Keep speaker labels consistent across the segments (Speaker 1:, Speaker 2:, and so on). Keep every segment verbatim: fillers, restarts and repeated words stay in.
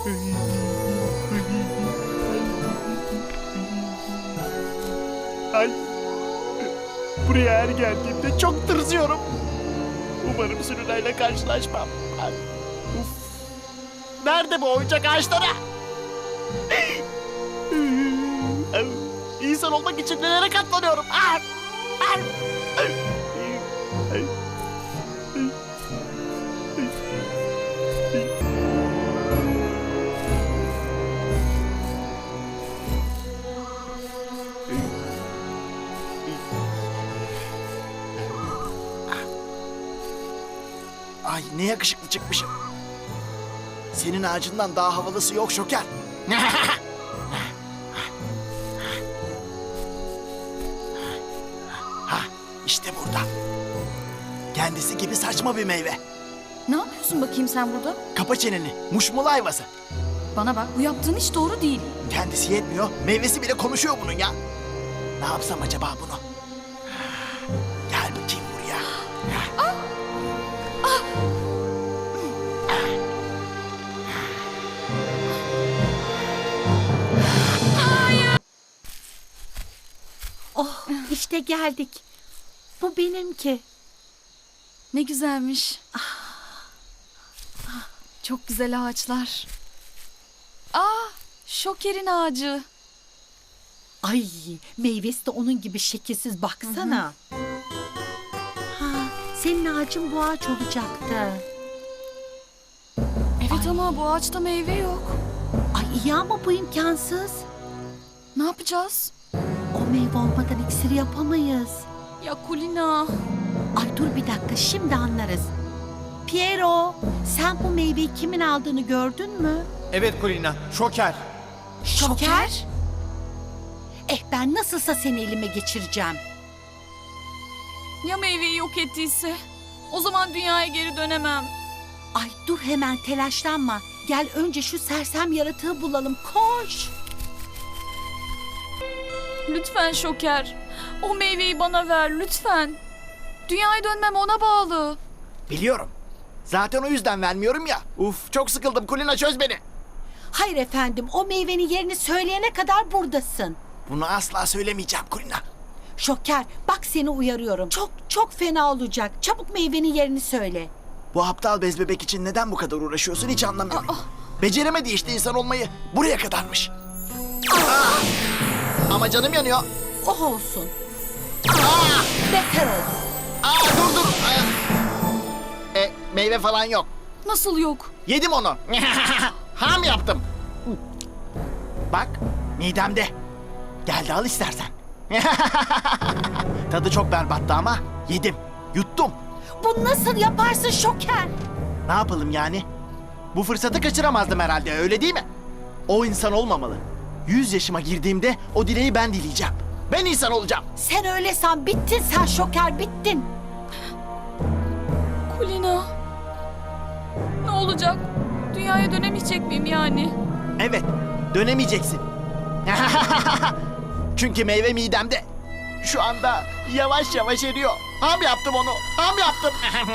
Speaker 1: Ay. Buraya her geldiğimde çok tırsıyorum. Umarım sürülerle karşılaşmam. Ay. Uf. Nerede bu oyuncak ağaçları? İnsan olmak için nelere katlanıyorum? Ay. Ay. Ay. Ay. Ay ne yakışıklı çıkmışım. Senin ağacından daha havalısı yok Şoker. Ha, işte burada. Kendisi gibi saçma bir meyve.
Speaker 2: Ne yapıyorsun bakayım sen burada?
Speaker 1: Kapa çeneni, muşmula ayvası.
Speaker 2: Bana bak, bu yaptığın hiç doğru değil.
Speaker 1: Kendisi yetmiyor, meyvesi bile konuşuyor bunun ya. Ne yapsam acaba bunu? Gel bakayım buraya.
Speaker 2: Ah! Ah!
Speaker 3: Oh, işte geldik. Bu benimki.
Speaker 2: Ne güzelmiş. Çok güzel ağaçlar. Aa, Şoker'in ağacı.
Speaker 3: Ay, meyvesi de onun gibi şekilsiz, baksana. Ha, senin ağacın bu ağaç olacaktı.
Speaker 2: Evet ama bu ağaçta meyve yok.
Speaker 3: Ay iyi ama bu imkansız.
Speaker 2: Ne yapacağız?
Speaker 3: O meyve olmadan iksir yapamayız.
Speaker 2: Ya Kulina.
Speaker 3: Ay dur bir dakika, şimdi anlarız. Piero, sen bu meyveyi kimin aldığını gördün mü?
Speaker 4: Evet Kulina, şoker.
Speaker 3: Şoker? Eh ben nasılsa seni elime geçireceğim.
Speaker 2: Ya meyveyi yok ettiyse? O zaman dünyaya geri dönemem.
Speaker 3: Ay dur hemen telaşlanma. Gel önce şu sersem yaratığı bulalım. Koş.
Speaker 2: Lütfen Şoker. O meyveyi bana ver lütfen. Dünyaya dönmem ona bağlı.
Speaker 1: Biliyorum. Zaten o yüzden vermiyorum ya. Uf çok sıkıldım, Kulina çöz beni.
Speaker 3: Hayır efendim, o meyvenin yerini söyleyene kadar buradasın.
Speaker 1: Bunu asla söylemeyeceğim Kulina.
Speaker 3: Şoker, bak seni uyarıyorum. Çok çok fena olacak. Çabuk meyvenin yerini söyle.
Speaker 1: Bu aptal bez bebek için neden bu kadar uğraşıyorsun hiç anlamıyorum. Beceremedi işte insan olmayı. Buraya kadarmış. Aa! Ama canım yanıyor.
Speaker 3: Oh olsun.
Speaker 1: Aa!
Speaker 3: Beter olsun.
Speaker 1: Aa, dur dur. Aa. E, meyve falan yok.
Speaker 2: Nasıl yok?
Speaker 1: Yedim onu. Ham yaptım. Bak midemde. Gel de al istersen. Tadı çok berbattı ama yedim. Yuttum.
Speaker 3: Bu nasıl yaparsın Şoker?
Speaker 1: Ne yapalım yani? Bu fırsatı kaçıramazdım herhalde, öyle değil mi? O insan olmamalı. Yüz yaşıma girdiğimde o dileği ben dileyeceğim. Ben insan olacağım.
Speaker 3: Sen öyle san, bittin sen Şoker, bittin.
Speaker 2: Kulina. Ne olacak? Dünyaya dönemeyecek miyim yani?
Speaker 1: Evet, dönemeyeceksin. Çünkü meyve midemde. Şu anda yavaş yavaş eriyor. Ham yaptım onu, ham yaptım.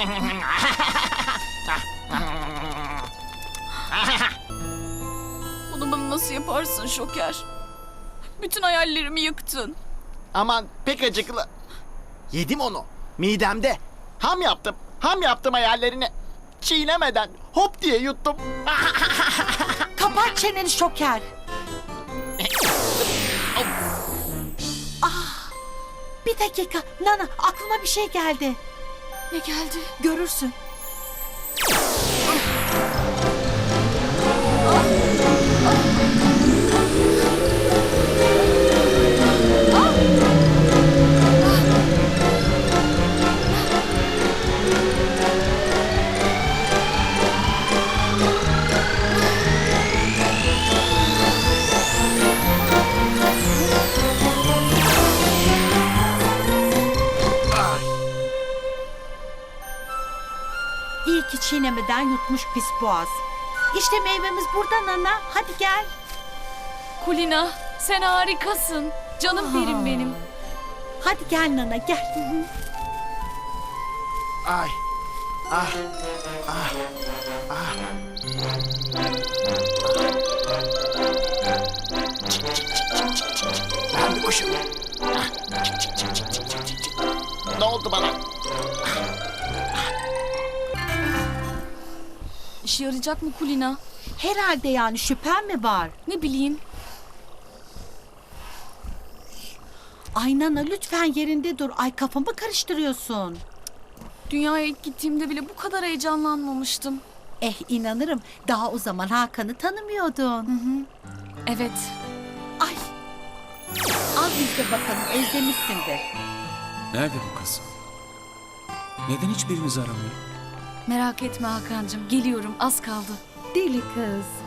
Speaker 2: Bunu bana nasıl yaparsın Şoker? Bütün hayallerimi yıktın.
Speaker 1: Aman pek acıklı. Yedim onu, midemde. Ham yaptım, ham yaptım hayallerini. Çiğnemeden hop diye yuttum.
Speaker 3: Kapat çeneni Şoker. Ah, bir dakika Nana, aklıma bir şey geldi.
Speaker 2: Ne geldi?
Speaker 3: Görürsün. İyi ki çiğnemeden yutmuş pis boğaz. İşte meyvemiz burada Nana. Hadi gel.
Speaker 2: Kulina, sen harikasın. Canım benim benim.
Speaker 3: Hadi gel Nana, gel.
Speaker 1: Ay. Ah. Ah. Ah. oldu bana.
Speaker 2: İşe yarayacak mı Kulina?
Speaker 3: Herhalde yani şüphen mi var?
Speaker 2: Ne bileyim.
Speaker 3: Ay Nana lütfen yerinde dur. Ay kafamı karıştırıyorsun.
Speaker 2: Dünyaya ilk gittiğimde bile bu kadar heyecanlanmamıştım.
Speaker 3: Eh inanırım. Daha o zaman Hakan'ı tanımıyordun.
Speaker 2: Evet.
Speaker 3: Ay. Al izle bakalım özlemişsindir.
Speaker 5: Nerede bu kız? Neden hiçbirimizi aramıyor?
Speaker 2: Merak etme Hakan'cığım. Geliyorum. Az kaldı.
Speaker 3: Deli kız.